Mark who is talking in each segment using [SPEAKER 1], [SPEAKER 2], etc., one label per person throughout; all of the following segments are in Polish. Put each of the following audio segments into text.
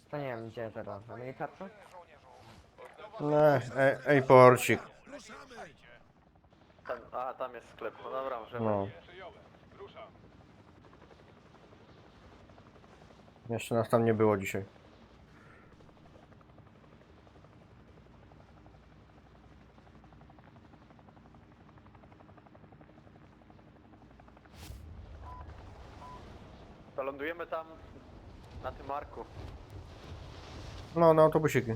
[SPEAKER 1] To nie wiem gdzie teraz. Mamy kartę?
[SPEAKER 2] Ej, porcik.
[SPEAKER 3] Tam jest sklep. No dobra, możemy.
[SPEAKER 2] No. Jeszcze nas tam nie było dzisiaj.
[SPEAKER 3] To lądujemy tam na tym marku.
[SPEAKER 2] No, na autobusiki.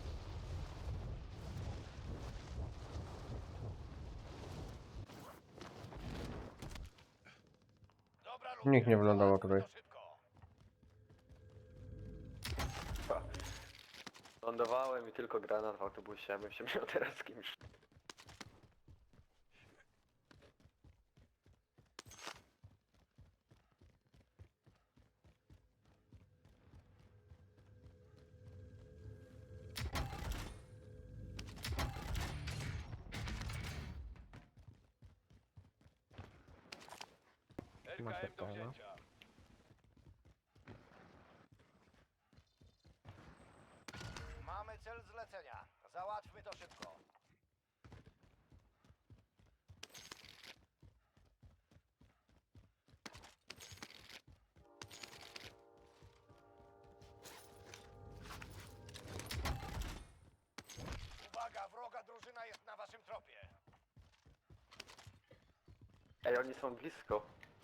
[SPEAKER 2] Nikt nie wylądował tutaj.
[SPEAKER 3] Lądowałem i tylko granat w autobusie, a bym się miał teraz z kimś.
[SPEAKER 1] Macie to, no.
[SPEAKER 4] Mamy cel zlecenia. Załatwmy to szybko. Uwaga, wroga drużyna jest na waszym tropie.
[SPEAKER 3] Ej, oni są blisko.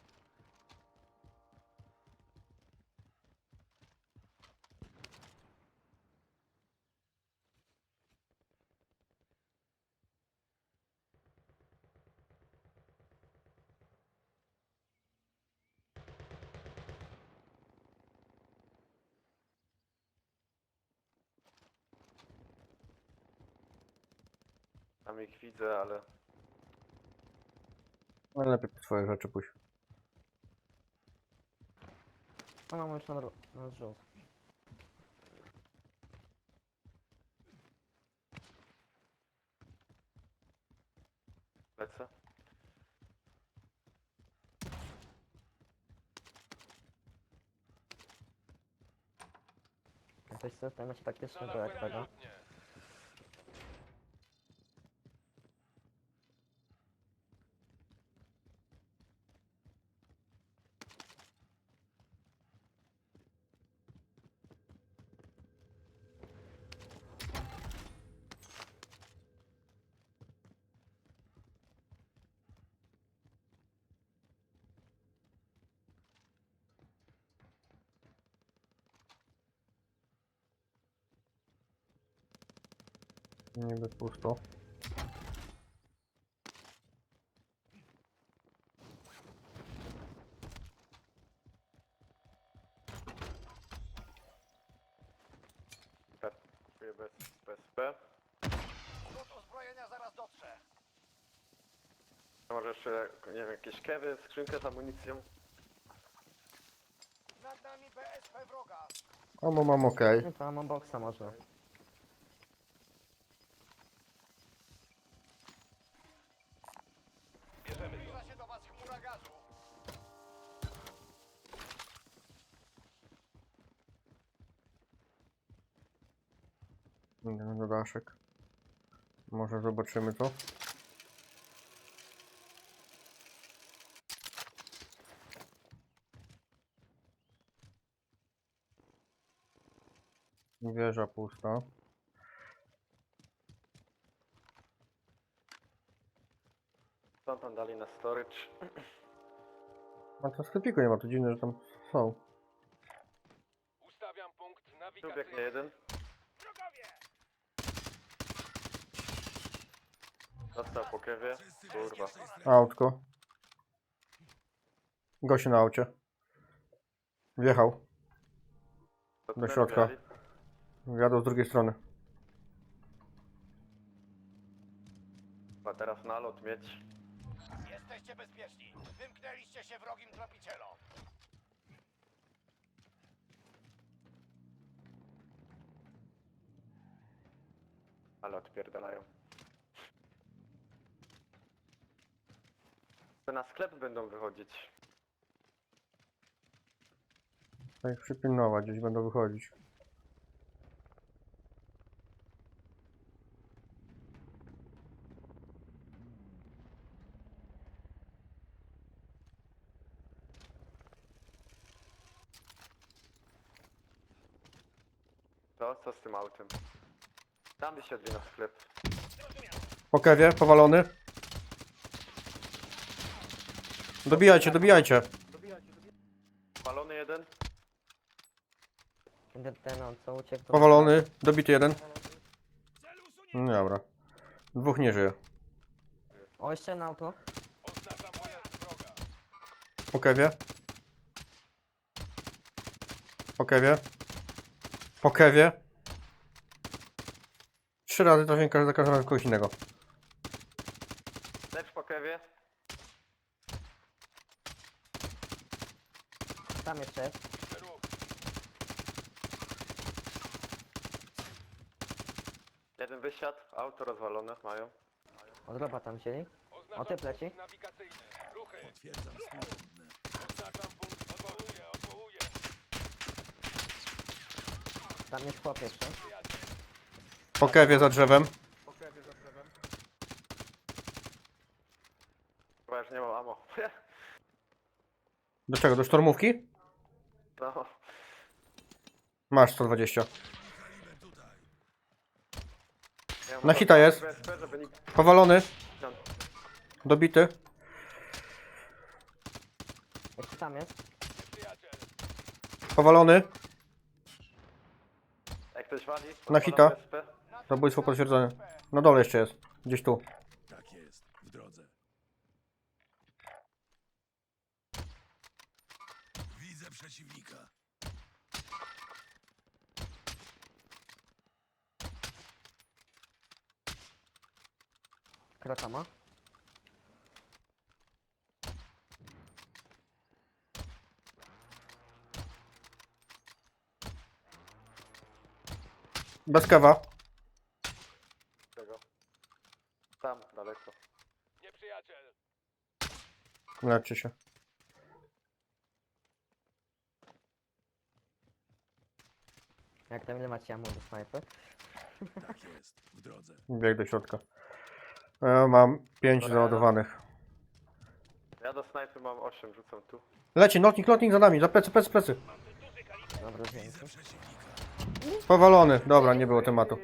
[SPEAKER 3] Tam ich widzę, ale...
[SPEAKER 2] No lepiej po swoje rzeczy pójść.
[SPEAKER 1] A mamy już na zrzut.
[SPEAKER 3] Lecę.
[SPEAKER 1] Jesteś system jest taktycznego jak tego.
[SPEAKER 2] Niby pusto.
[SPEAKER 3] Kupuję bez PSP.
[SPEAKER 4] Rzut uzbrojenia zaraz dotrze.
[SPEAKER 3] Może jeszcze, nie wiem, jakieś kewy, skrzynkę z amunicją.
[SPEAKER 4] Nad nami BSP wroga.
[SPEAKER 2] O, mam okej.
[SPEAKER 1] No to mam boksa może.
[SPEAKER 4] Zbliża się do was chmura gazu.
[SPEAKER 2] Idę na daszek. Może zobaczymy to. Wieża pusta.
[SPEAKER 3] Co tam dali na storage?
[SPEAKER 2] A to sklepiku nie ma, to dziwne, że tam są.
[SPEAKER 5] Ustawiam punkt
[SPEAKER 3] Tu
[SPEAKER 5] nawigacyjny.
[SPEAKER 3] biegnie jeden. Dostał po kewie. Kurwa.
[SPEAKER 2] Autko. Gościu na aucie. Wjechał.
[SPEAKER 3] To
[SPEAKER 2] Do
[SPEAKER 3] tunelu
[SPEAKER 2] środka.
[SPEAKER 3] mieli.
[SPEAKER 2] Jadą z drugiej strony.
[SPEAKER 3] A teraz nalot mieć.
[SPEAKER 4] Jesteście bezpieczni. Wymknęliście się wrogim tropicielom.
[SPEAKER 3] Ale odpierdalają. To na sklep będą wychodzić.
[SPEAKER 2] Trzeba ich przypilnować, gdzieś będą wychodzić.
[SPEAKER 3] To co z tym autem? Tam się odwina sklep.
[SPEAKER 2] Po kewie, powalony. Dobijajcie, dobijajcie.
[SPEAKER 3] Palony jeden.
[SPEAKER 1] Ten on co uciekł to...
[SPEAKER 2] Powalony, dobity jeden. No dobra. Dwóch nie żyje.
[SPEAKER 1] O, jeszcze jedno auto.
[SPEAKER 2] Po kewie. Po kewie. Po kewie. 3 razy trafię za każdym razem kogoś innego.
[SPEAKER 3] Lecz po kewie.
[SPEAKER 1] Tam jeszcze jest.
[SPEAKER 3] Jeden wysiadł, auto rozwalone mają.
[SPEAKER 1] Od roba tam wzięli. O, ty pleci. Tam jest chłop jeszcze.
[SPEAKER 2] Po kewie za drzewem.
[SPEAKER 3] Chyba już nie mam ammo.
[SPEAKER 2] Do czego? Do sztormówki?
[SPEAKER 3] No.
[SPEAKER 2] Masz 120.
[SPEAKER 3] Ja
[SPEAKER 2] Na hita jest.
[SPEAKER 3] BSP, żeby nikt...
[SPEAKER 2] Powalony. Dobity.
[SPEAKER 1] Jeszcze tam jest.
[SPEAKER 2] Powalony.
[SPEAKER 3] Jak ktoś wali...
[SPEAKER 2] Na hita.
[SPEAKER 3] BSP.
[SPEAKER 2] Zabójstwo potwierdzone. Na dole jeszcze jest. Gdzieś tu.
[SPEAKER 5] Tak jest, w drodze. Widzę przeciwnika.
[SPEAKER 1] Kraka ma.
[SPEAKER 2] Bez kawa.
[SPEAKER 3] Tego. Tam, daleko.
[SPEAKER 2] Leczcie się.
[SPEAKER 1] Jak tam ile macie ammo do snajpy?
[SPEAKER 5] Tak jest, w drodze.
[SPEAKER 2] Bieg do środka. Mam 5 załadowanych.
[SPEAKER 3] Ja do snajpy mam 8, rzucam tu.
[SPEAKER 2] Leci, lotnik za nami. Za plecy, plecy, plecy.
[SPEAKER 1] Dobra, dzięki.
[SPEAKER 5] Widzę przeciwnika.
[SPEAKER 2] Powalony. Dobra, nie było tematu.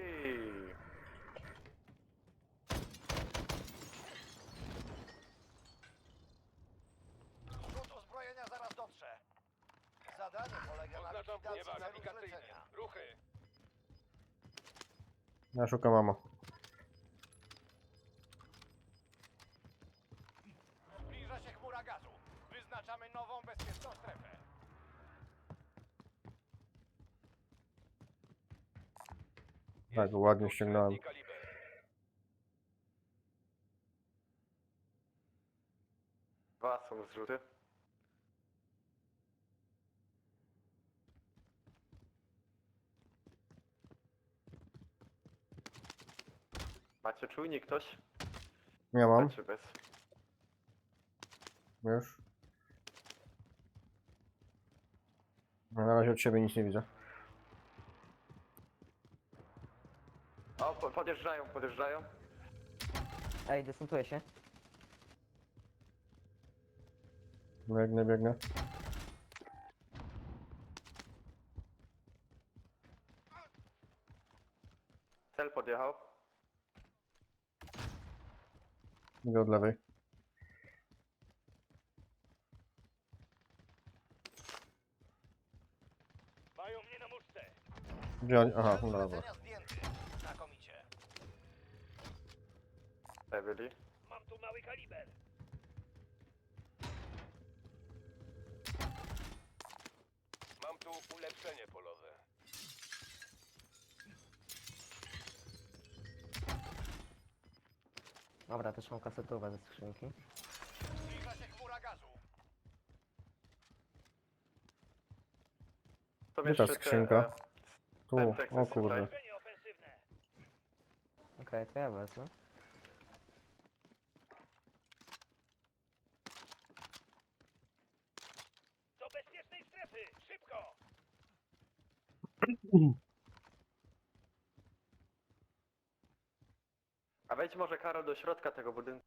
[SPEAKER 4] Rzut uzbrojenia zaraz dotrze. Zadanie polega na likwidacji celu zlecenia.
[SPEAKER 2] Ja szukam mamo.
[SPEAKER 4] Zbliża się chmura gazu. Wyznaczamy nową bezpieczną strefę.
[SPEAKER 2] Tak, ładnie ściągnąłem.
[SPEAKER 3] Dwa są zrzuty. Macie czujnik ktoś?
[SPEAKER 2] Nie mam.
[SPEAKER 3] Macie bez.
[SPEAKER 2] Już. No, na razie od siebie nic nie widzę.
[SPEAKER 3] O, podjeżdżają, podjeżdżają.
[SPEAKER 1] Ej, dystantuję się.
[SPEAKER 2] Biegnę, biegnę.
[SPEAKER 3] Cel podjechał.
[SPEAKER 2] Idę od lewej.
[SPEAKER 4] Mają mnie na muszce.
[SPEAKER 2] Gdzie oni? Aha,
[SPEAKER 4] Cel
[SPEAKER 2] no dobra.
[SPEAKER 4] zlecenia zdjęty. Znakomicie.
[SPEAKER 3] Tutaj byli.
[SPEAKER 4] Mam tu mały kaliber. Mam tu ulepszenie polowe.
[SPEAKER 1] Dobra, też mam kasetówę ze skrzynki.
[SPEAKER 4] Zbliża się chmura gazu.
[SPEAKER 3] To
[SPEAKER 2] Gdzie ta
[SPEAKER 3] jeszcze te,
[SPEAKER 2] skrzynka? Tu,
[SPEAKER 3] Semtex
[SPEAKER 2] o
[SPEAKER 3] jest
[SPEAKER 2] kurde.
[SPEAKER 3] tutaj.
[SPEAKER 4] Ulepszenie ofensywne.
[SPEAKER 1] Okej, to ja wezmę.
[SPEAKER 4] Do bezpiecznej strefy! Szybko!
[SPEAKER 3] A wejdź może Karol do środka tego budynku.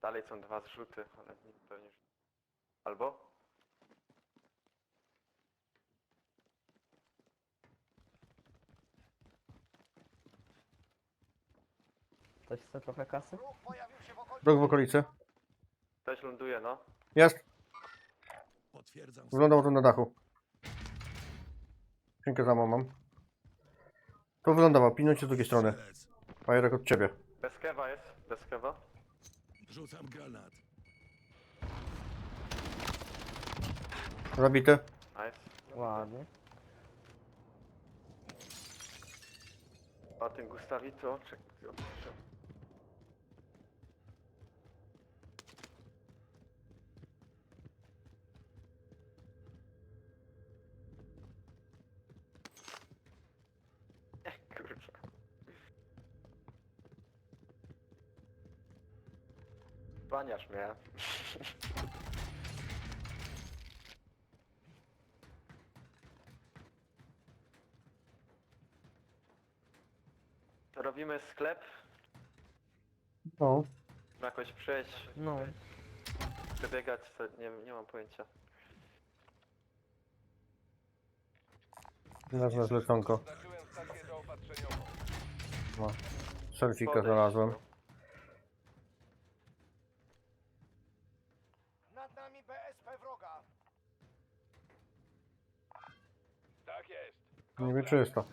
[SPEAKER 3] Dalej są 2 zrzuty, ale nikt pewnie... Albo?
[SPEAKER 1] Ktoś chce trochę kasy?
[SPEAKER 4] Wróg pojawił się w okolicy.
[SPEAKER 2] Wróg w okolicy.
[SPEAKER 3] Ktoś ląduje, no.
[SPEAKER 2] Jest.
[SPEAKER 5] Potwierdzam.
[SPEAKER 2] Wylądował tu na dachu. Skrzynkę za mną mam. Tu wylądował, pilnujcie z drugiej strony.
[SPEAKER 5] Strzelec.
[SPEAKER 2] Fajerek od ciebie.
[SPEAKER 3] Bez kewa jest, bez kewa.
[SPEAKER 5] Rzucam granat.
[SPEAKER 2] Zabity.
[SPEAKER 3] Nice.
[SPEAKER 1] Ładnie.
[SPEAKER 3] O tym Gustawito, czekaj. Kurczę. Baniasz mnie. Robimy sklep,
[SPEAKER 2] No.
[SPEAKER 3] jakoś przejść,
[SPEAKER 1] No.
[SPEAKER 3] przebiegać, co, nie mam pojęcia.
[SPEAKER 2] Nazwę zleconko. No. Selfika znalazłem.
[SPEAKER 4] Nad nami BSP wroga. Tak jest.
[SPEAKER 2] Niby czysto.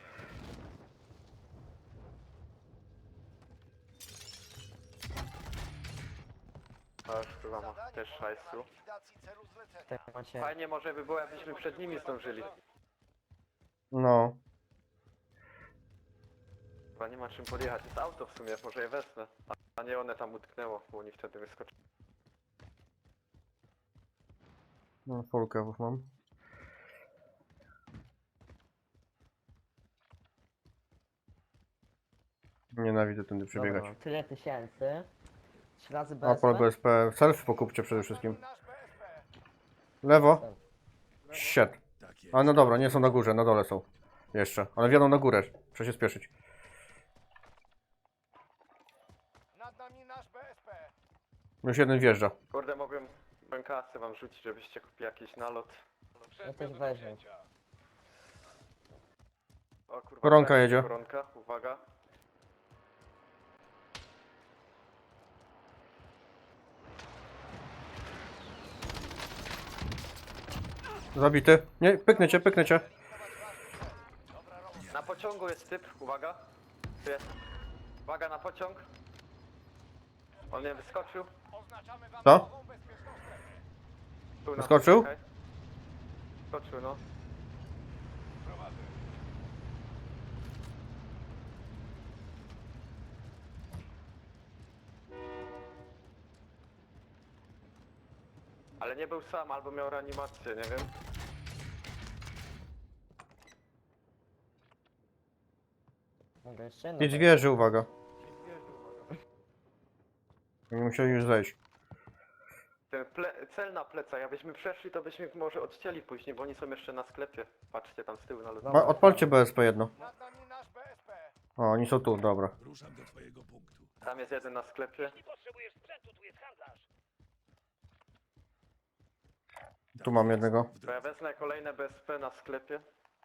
[SPEAKER 3] A już chyba ma
[SPEAKER 4] Zadanie
[SPEAKER 3] też
[SPEAKER 4] polega
[SPEAKER 3] hajsu.
[SPEAKER 4] na likwidacji celu zlecenia.
[SPEAKER 1] Tak macie.
[SPEAKER 3] Fajnie może by było, jakbyśmy przed nimi zdążyli.
[SPEAKER 2] No.
[SPEAKER 3] Chyba nie ma czym podjechać. Jest auto w sumie, może je wezmę. A nie one tam utknęło, bo oni wtedy wyskoczyli.
[SPEAKER 2] No, full kewów mam. Nienawidzę tędy przebiegać.
[SPEAKER 1] Dobra, tyle tysięcy. 3 razy
[SPEAKER 2] Opal
[SPEAKER 1] BSP.
[SPEAKER 2] BSP. Selfie pokupcie przede wszystkim.
[SPEAKER 4] Nasz BSP.
[SPEAKER 2] Lewo. Shit.
[SPEAKER 5] Tak jest.
[SPEAKER 2] A no dobra, nie są na górze, na dole są. Jeszcze. Ale wjadą na górę. Trzeba się spieszyć.
[SPEAKER 4] Nad nami nasz BSP.
[SPEAKER 2] Już jeden wjeżdża.
[SPEAKER 3] Kurde, mogłem kasę wam rzucić, żebyście kupili jakiś nalot.
[SPEAKER 1] Ja też weźmę.
[SPEAKER 3] O kurwa,
[SPEAKER 2] Koronka
[SPEAKER 3] tak,
[SPEAKER 2] jedzie.
[SPEAKER 3] Koronka, uwaga.
[SPEAKER 2] Zabity. Nie, pyknę cię, pyknę cię.
[SPEAKER 3] Na pociągu jest typ, uwaga. Tu jest. Uwaga na pociąg. On nie wyskoczył.
[SPEAKER 4] Oznaczamy wam
[SPEAKER 2] Co?
[SPEAKER 4] nową bezpieczną strefę.
[SPEAKER 3] Tu na
[SPEAKER 2] Wyskoczył?
[SPEAKER 3] czekaj. Wyskoczył, no. Ale nie był sam, albo miał reanimację, nie wiem.
[SPEAKER 1] Mogę jeszcze jedno.
[SPEAKER 2] Nic wieży, uwaga. Nie musieli już zejść.
[SPEAKER 3] Ten cel na plecach, jakbyśmy przeszli, to byśmy może odcięli później, bo oni są jeszcze na sklepie. Patrzcie tam z tyłu na lotnisku.
[SPEAKER 2] Odpalcie BSP jedno.
[SPEAKER 4] Nad nami nasz BSP.
[SPEAKER 2] O, oni są tu, dobra.
[SPEAKER 5] Ruszam do twojego punktu.
[SPEAKER 3] Tam jest jeden na sklepie.
[SPEAKER 4] Jeśli potrzebujesz sprzętu, tu jest handlarz.
[SPEAKER 2] Tu mam jednego.
[SPEAKER 5] W
[SPEAKER 3] To ja
[SPEAKER 5] drodze.
[SPEAKER 3] wezmę kolejne BSP na sklepie.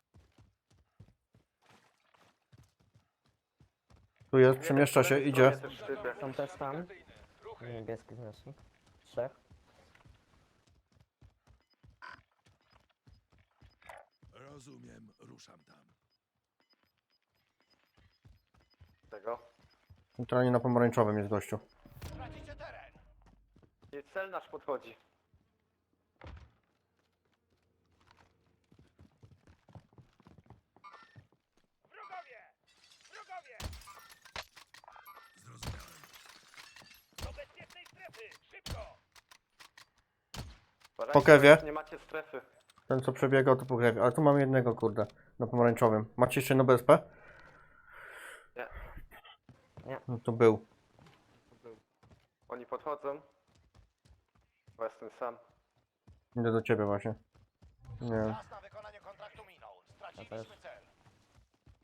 [SPEAKER 2] Tu jest, przemieszcza się, idzie.
[SPEAKER 3] Też typ jak-
[SPEAKER 1] Są też tam. Niebieski znacznik. 3.
[SPEAKER 5] Rozumiem, ruszam tam.
[SPEAKER 3] tego.
[SPEAKER 2] Centralnie na pomarańczowym jest gościu.
[SPEAKER 4] Tracicie teren.
[SPEAKER 3] I cel nasz podchodzi.
[SPEAKER 4] Wrogowie! Wrogowie!
[SPEAKER 5] Zrozumiałem.
[SPEAKER 4] Do bezpiecznej strefy! Szybko!
[SPEAKER 3] Uważajcie,
[SPEAKER 2] Po kewie.
[SPEAKER 3] Nie macie strefy.
[SPEAKER 2] Ten co przebiegał to pogrewie. Ale tu mamy jednego, kurde. Na pomarańczowym. Macie jeszcze jedno BSP?
[SPEAKER 3] Nie.
[SPEAKER 2] No to był.
[SPEAKER 3] Oni podchodzą. Bo jestem sam.
[SPEAKER 2] Idę do ciebie właśnie. Nie.
[SPEAKER 4] Czas na wykonanie kontraktu minął. Straciliśmy cel.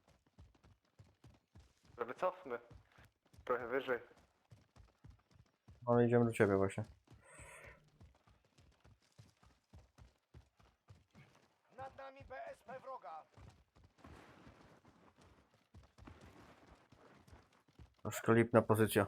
[SPEAKER 3] Wycofmy. Trochę wyżej.
[SPEAKER 2] Ale idziemy do ciebie właśnie.
[SPEAKER 4] Nad nami BSP wroga.
[SPEAKER 2] Troszkę lipna pozycja.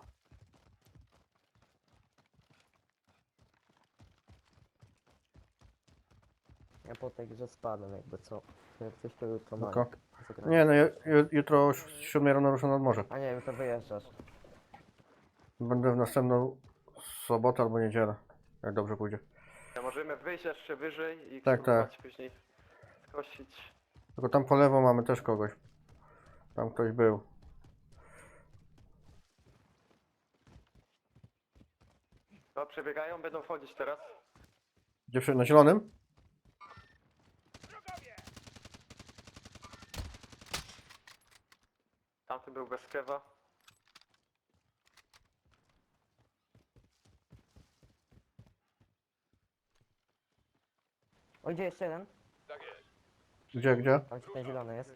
[SPEAKER 1] Ja po tej grze spadłem jakby co. Jak coś to jutro
[SPEAKER 2] Spoko.
[SPEAKER 1] mam. zagrać.
[SPEAKER 2] Nie no, jutro o 7 rano ruszę nad morze.
[SPEAKER 1] A nie wiem, to wyjeżdżasz.
[SPEAKER 2] Będę w następną sobotę albo niedzielę. Jak dobrze pójdzie.
[SPEAKER 3] Ja możemy wyjść jeszcze wyżej i
[SPEAKER 2] Tak,
[SPEAKER 3] spróbować później skosić.
[SPEAKER 2] Tylko tam po lewo mamy też kogoś. Tam ktoś był.
[SPEAKER 3] No, przebiegają, będą wchodzić teraz.
[SPEAKER 2] Gdzie na zielonym?
[SPEAKER 3] Tamty był bez kewa.
[SPEAKER 1] O, gdzie jeszcze jeden?
[SPEAKER 2] Gdzie?
[SPEAKER 1] Tam gdzie ten zielony jest.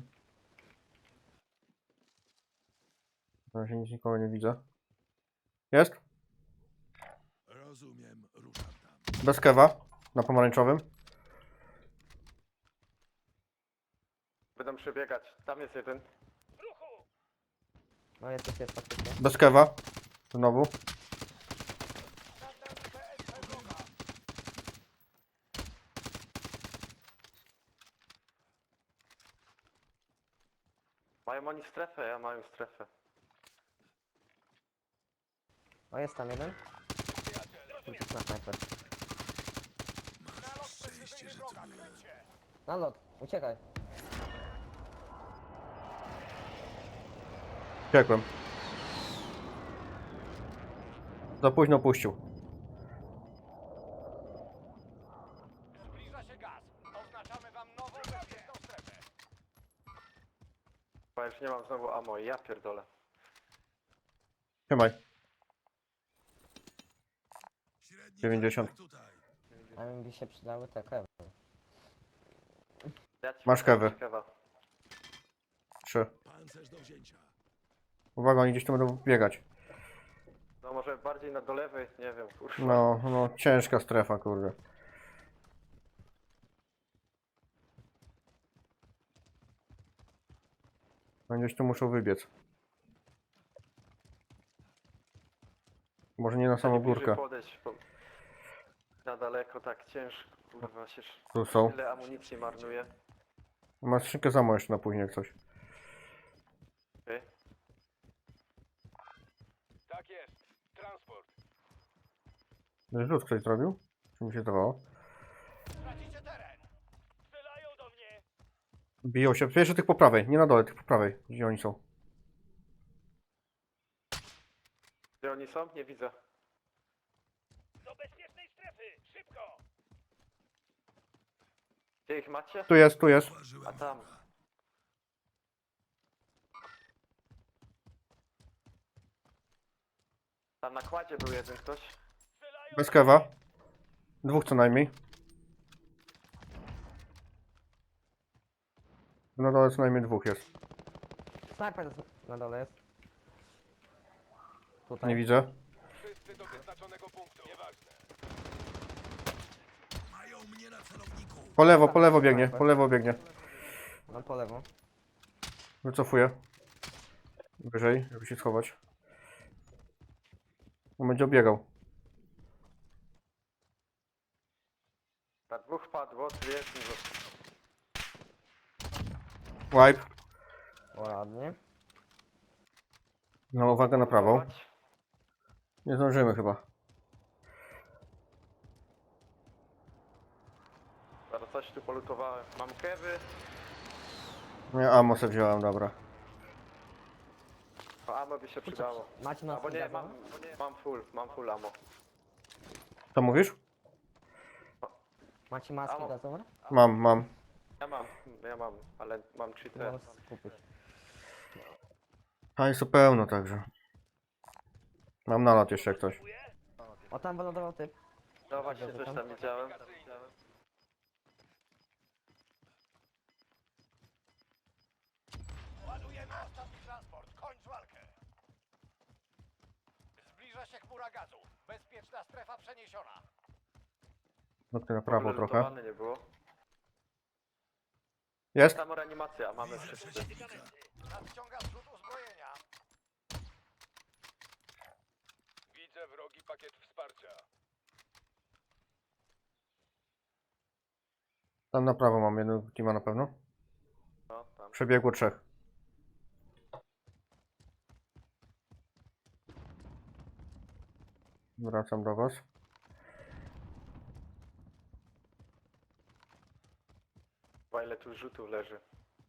[SPEAKER 2] Na razie nic nikogo nie widzę. Jest?
[SPEAKER 5] Rozumiem, ruszam tam.
[SPEAKER 2] Bez kewa. Na pomarańczowym.
[SPEAKER 3] Będą przebiegać. Tam jest jeden.
[SPEAKER 1] No jest faktycznie.
[SPEAKER 2] Bez kewa. Znowu.
[SPEAKER 4] Nad nami BSP wroga.
[SPEAKER 3] Mają oni strefę, ja mają strefę.
[SPEAKER 1] O, jest tam jeden. Na snajper.
[SPEAKER 4] Nalot precyzyjny wroga. Krycie.
[SPEAKER 1] Na lot, uciekaj.
[SPEAKER 2] Uciekłem. Za późno puścił.
[SPEAKER 4] Zbliża się gaz. Oznaczamy wam nową bezpieczną strefę.
[SPEAKER 3] Bo już nie mam znowu ammo, ja pierdolę.
[SPEAKER 2] Trzymaj.
[SPEAKER 5] Średni
[SPEAKER 2] 90.
[SPEAKER 5] kontakt tutaj.
[SPEAKER 1] A mi by się przydały te kewy.
[SPEAKER 3] Ja ci
[SPEAKER 2] Masz
[SPEAKER 3] podam
[SPEAKER 2] kewy.
[SPEAKER 3] kewa.
[SPEAKER 2] 3.
[SPEAKER 5] Pancerz do wzięcia.
[SPEAKER 2] Uwaga, oni gdzieś tu będą biegać.
[SPEAKER 3] No może bardziej do lewej, nie wiem, kurwa.
[SPEAKER 2] No, ciężka strefa, kurde. No gdzieś tu muszą wybiec. Może nie na samą
[SPEAKER 3] Ani bliżej
[SPEAKER 2] górkę.
[SPEAKER 3] podejść, bo na daleko tak ciężko, kurwa się
[SPEAKER 2] Tu są.
[SPEAKER 3] tyle amunicji marnuje.
[SPEAKER 2] Masz skrzynkę za jeszcze na później jak coś.
[SPEAKER 3] Okej.
[SPEAKER 4] Tak jest. Transport.
[SPEAKER 2] Rzut ktoś zrobił? Czy mi się zdawało?
[SPEAKER 4] Tracicie teren. Strzelają do mnie.
[SPEAKER 2] Biją się. Jeszcze tych po prawej, nie na dole, tych po prawej. Gdzie oni są?
[SPEAKER 3] Gdzie oni są? Nie widzę.
[SPEAKER 4] Do bezpiecznej strefy. Szybko.
[SPEAKER 3] Gdzie ich macie?
[SPEAKER 2] Tu jest.
[SPEAKER 5] Zauważyłem
[SPEAKER 3] A tam.
[SPEAKER 5] wroga.
[SPEAKER 3] Tam na kładzie był jeden ktoś.
[SPEAKER 2] Bez kewa. 2 co najmniej. Na dole co najmniej 2 jest.
[SPEAKER 1] Snajper na dole jest. Tutaj.
[SPEAKER 2] Nie widzę.
[SPEAKER 4] Wszyscy do wyznaczonego punktu. Nieważne.
[SPEAKER 5] Mają mnie na celowniku.
[SPEAKER 2] Po lewo biegnie.
[SPEAKER 1] No po lewo.
[SPEAKER 2] Wycofuję. Wyżej, żeby się schować. On będzie obiegał.
[SPEAKER 3] Na dwóch padło, tu jest mi został.
[SPEAKER 2] Wipe.
[SPEAKER 1] O, ładnie.
[SPEAKER 2] No uwaga na prawą. Nie zdążymy chyba.
[SPEAKER 3] Zaraz coś tu polutowałem. Mam kewy.
[SPEAKER 2] Nie, ammo se wziąłem, dobra.
[SPEAKER 3] O, ammo by się przydało.
[SPEAKER 1] Macie na
[SPEAKER 3] Albo nie, mam full ammo.
[SPEAKER 2] Co mówisz?
[SPEAKER 1] Macie maski
[SPEAKER 3] Amo.
[SPEAKER 1] gazowe?
[SPEAKER 2] Mam.
[SPEAKER 3] Ja mam, ale mam 3 te.
[SPEAKER 1] Możesz kupić.
[SPEAKER 2] Hajsu pełno także. Mam nalot jeszcze jak ktoś.
[SPEAKER 1] O, tam wylądował typ.
[SPEAKER 3] No właśnie, coś tam widziałem.
[SPEAKER 4] Ładujemy ostatni transport. Kończ walkę. Zbliża się chmura gazu. Bezpieczna strefa przeniesiona.
[SPEAKER 2] Nokty na
[SPEAKER 3] W ogóle
[SPEAKER 2] prawo trochę.
[SPEAKER 3] lutowane nie było.
[SPEAKER 2] Jest?
[SPEAKER 3] Samo reanimacja, mamy
[SPEAKER 5] Widzę
[SPEAKER 3] wszyscy.
[SPEAKER 5] przeciwnika.
[SPEAKER 4] Nadciąga zrzut uzbrojenia.
[SPEAKER 6] Widzę wrogi pakiet wsparcia.
[SPEAKER 2] Tam na prawo mam jednego teama na pewno.
[SPEAKER 3] No, tam.
[SPEAKER 2] Przebiegło 3. Wracam do was.
[SPEAKER 3] Chyba ile tu rzutów leży.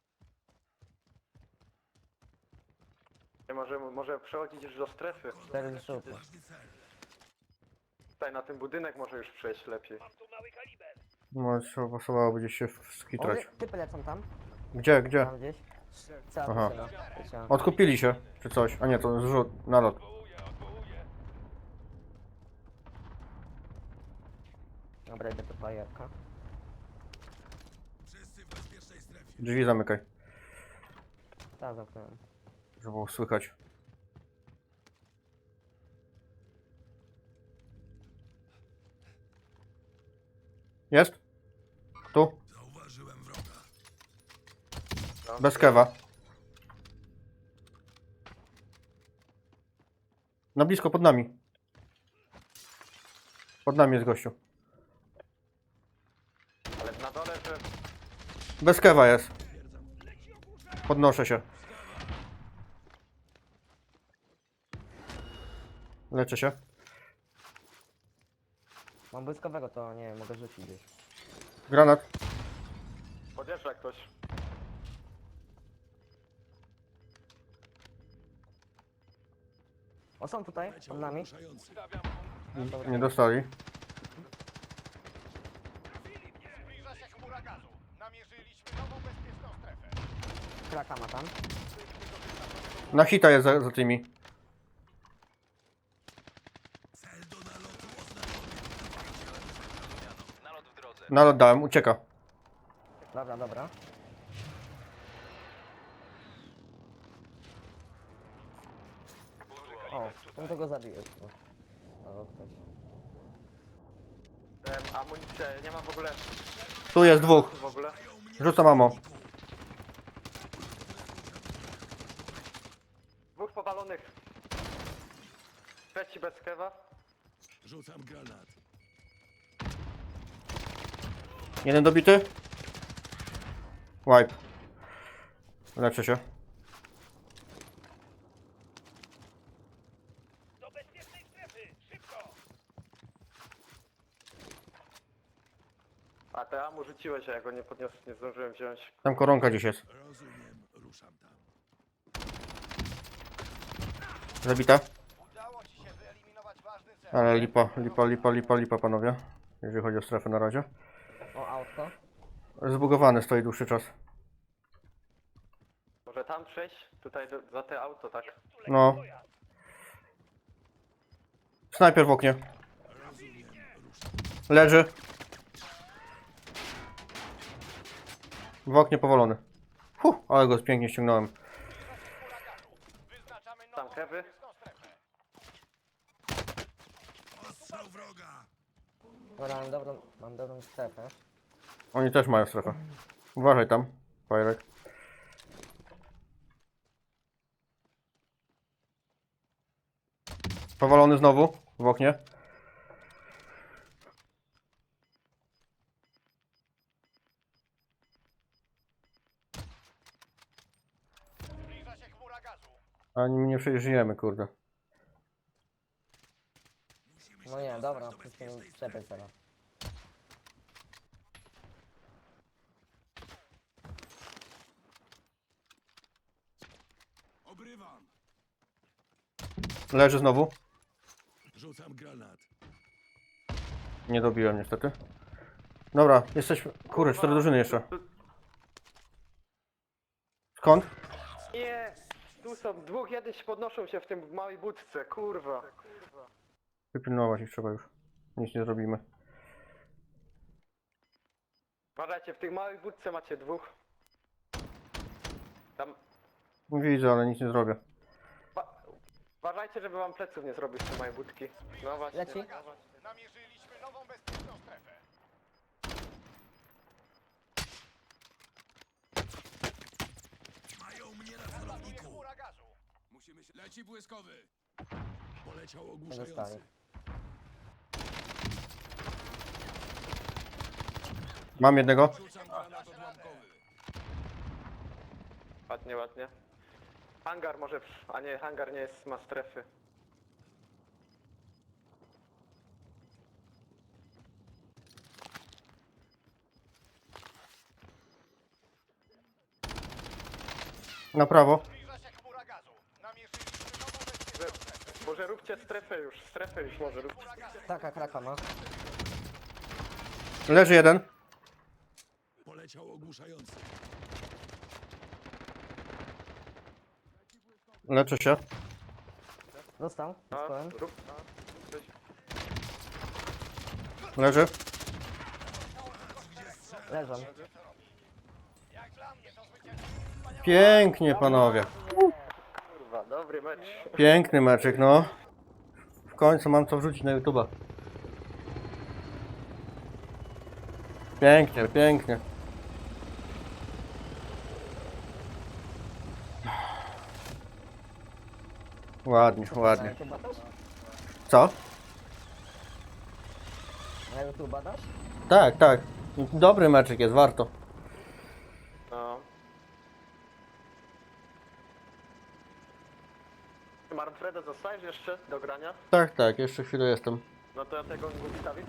[SPEAKER 3] Nie może przechodzić już do strefy.
[SPEAKER 1] 4 zrzuty.
[SPEAKER 5] Ważny cel.
[SPEAKER 3] Tutaj na ten budynek może już przejść lepiej.
[SPEAKER 2] No, trzeba pasowało gdzieś się skitrać.
[SPEAKER 1] Typy lecą tam.
[SPEAKER 2] Gdzie, gdzie?
[SPEAKER 1] Tam gdzieś. Cała
[SPEAKER 2] Aha.
[SPEAKER 1] drużyna. Leciała.
[SPEAKER 2] Odkupili się, czy coś. A nie, to zrzut, nalot.
[SPEAKER 6] Odwołuję.
[SPEAKER 1] Dobra, idę do fajerka.
[SPEAKER 5] Wszyscy w bezpiecznej strefie.
[SPEAKER 2] Drzwi zamykaj,
[SPEAKER 1] Tak, zamknąłem.
[SPEAKER 2] żeby było słychać. Jest? Tu?
[SPEAKER 5] Zauważyłem wroga.
[SPEAKER 3] No.
[SPEAKER 2] Bez kewa. Na blisko, pod nami. Pod nami jest gościu.
[SPEAKER 3] Ale na dole, że
[SPEAKER 2] Bez kewa jest. Podnoszę się. Leczę się.
[SPEAKER 1] Mam błyskowego, to nie wiem, mogę rzucić gdzieś.
[SPEAKER 2] Granat.
[SPEAKER 3] podjeżdża ktoś.
[SPEAKER 1] O, są tutaj,
[SPEAKER 5] Leciał
[SPEAKER 1] pod nami.
[SPEAKER 5] ogłuszający.
[SPEAKER 6] Stawiam
[SPEAKER 2] Nie dostali.
[SPEAKER 4] Zbliża się chmura gazu. Namierzyliśmy nową bezpieczną strefę.
[SPEAKER 1] Kraka ma tam.
[SPEAKER 2] Na hita jest za tymi.
[SPEAKER 5] Cel do nalotu oznaczony.
[SPEAKER 6] nalot w drodze.
[SPEAKER 2] Nalot dałem, ucieka.
[SPEAKER 1] Dobra, dobra. O, to go zabiłeś. O, ktoś.
[SPEAKER 3] Amunicję, nie ma w ogóle
[SPEAKER 2] Tu jest dwóch.
[SPEAKER 3] w ogóle.
[SPEAKER 2] Rzucam ammo.
[SPEAKER 3] Dwóch powalonych. Trzeci bez kewa.
[SPEAKER 5] Rzucam granat.
[SPEAKER 2] Jeden dobity. Wipe. Leczę się.
[SPEAKER 4] Do bezpiecznej strefy! Szybko!
[SPEAKER 3] A te amu rzuciłeś, a ja go nie podniosłem, nie zdążyłem wziąć.
[SPEAKER 2] Tam koronka gdzieś jest.
[SPEAKER 5] Rozumiem, ruszam tam.
[SPEAKER 2] Zabita.
[SPEAKER 4] Udało ci się wyeliminować ważny cel.
[SPEAKER 2] Ale lipa, panowie. Jeżeli chodzi o strefę na razie.
[SPEAKER 1] O, autko.
[SPEAKER 2] Zbugowany stoi dłuższy czas.
[SPEAKER 3] Może tam przejść? Tutaj za te auto, tak?
[SPEAKER 2] No. Snajper w oknie.
[SPEAKER 5] Rozumiem, ruszam.
[SPEAKER 2] Leży. W oknie powalony. Ale go pięknie ściągnąłem.
[SPEAKER 4] Wyznaczamy
[SPEAKER 3] Tam
[SPEAKER 4] nową
[SPEAKER 3] kewy.
[SPEAKER 4] bezpieczną strefę.
[SPEAKER 5] Ostrzał wroga.
[SPEAKER 1] Dobra, mam dobrą strefę.
[SPEAKER 2] Oni też mają strefę. Uważaj tam, Fajrek. Powalony znowu w oknie.
[SPEAKER 4] Zbliża się chmura gazu.
[SPEAKER 2] A nie przeżyjemy, kurde.
[SPEAKER 5] Musimy
[SPEAKER 1] No
[SPEAKER 5] się
[SPEAKER 1] nie,
[SPEAKER 5] dostać
[SPEAKER 1] dobra,
[SPEAKER 5] do
[SPEAKER 1] musimy
[SPEAKER 5] bezpiecznej
[SPEAKER 1] strefę
[SPEAKER 5] strefy.
[SPEAKER 1] teraz.
[SPEAKER 5] Obrywam.
[SPEAKER 2] Leży znowu.
[SPEAKER 5] Rzucam granat.
[SPEAKER 2] Nie dobiłem niestety. Dobra, jesteśmy... Kurde, 4 drużyny jeszcze. Skąd?
[SPEAKER 3] Nie! Tu są dwóch, jeden się podnoszą się w tym małej budce, kurwa.
[SPEAKER 2] Wypilnować ich trzeba już. Nic nie zrobimy.
[SPEAKER 3] Uważajcie, w tej małej budce macie dwóch. Tam...
[SPEAKER 2] Widzę, ale nic nie zrobię.
[SPEAKER 3] Uważajcie, żeby wam pleców nie zrobił z tej mojej budki. No właśnie.
[SPEAKER 1] Leci.
[SPEAKER 4] Namierzyliśmy nową bezpieczną strefę.
[SPEAKER 5] Mają mnie na
[SPEAKER 4] Atakuje
[SPEAKER 5] celowniku.
[SPEAKER 4] chmura gazu.
[SPEAKER 5] Musimy się... Leci błyskowy. Poleciał
[SPEAKER 1] Zostali.
[SPEAKER 5] ogłuszający.
[SPEAKER 2] Mam jednego.
[SPEAKER 5] Rzucam granat odłamkowy.
[SPEAKER 3] Ładnie, ładnie. Hangar może... A nie, hangar nie jest, ma strefy.
[SPEAKER 2] Na prawo.
[SPEAKER 4] Zbliża się chmura gazu. Namierzyliśmy nową bezpieczną strefę.
[SPEAKER 3] Może róbcie strefę już może róbcie.
[SPEAKER 4] Chmura gazu.
[SPEAKER 1] Kraka, kraka ma.
[SPEAKER 2] Leży jeden.
[SPEAKER 5] Poleciał ogłuszający.
[SPEAKER 2] Leczę się.
[SPEAKER 1] Dostał.
[SPEAKER 3] No,
[SPEAKER 1] Dostałem.
[SPEAKER 3] rób... No, coś.
[SPEAKER 2] Leży.
[SPEAKER 1] Leżą.
[SPEAKER 4] Jak dla mnie to zwycięstwo. Wspaniałe.
[SPEAKER 2] Pięknie, panowie.
[SPEAKER 3] Kurwa, dobry mecz.
[SPEAKER 2] Piękny meczyk, no. W końcu mam co wrzucić na YouTube'a. Pięknie, pięknie. Ładnie, ładnie.
[SPEAKER 1] Na YouTube dasz?
[SPEAKER 2] Co?
[SPEAKER 1] Na YouTube dasz?
[SPEAKER 2] Tak, tak. Dobry meczyk jest, warto.
[SPEAKER 3] No. Marfredo, zostajesz jeszcze do grania?
[SPEAKER 2] Tak, tak, jeszcze chwilę jestem.
[SPEAKER 3] No to ja tego nie stawić.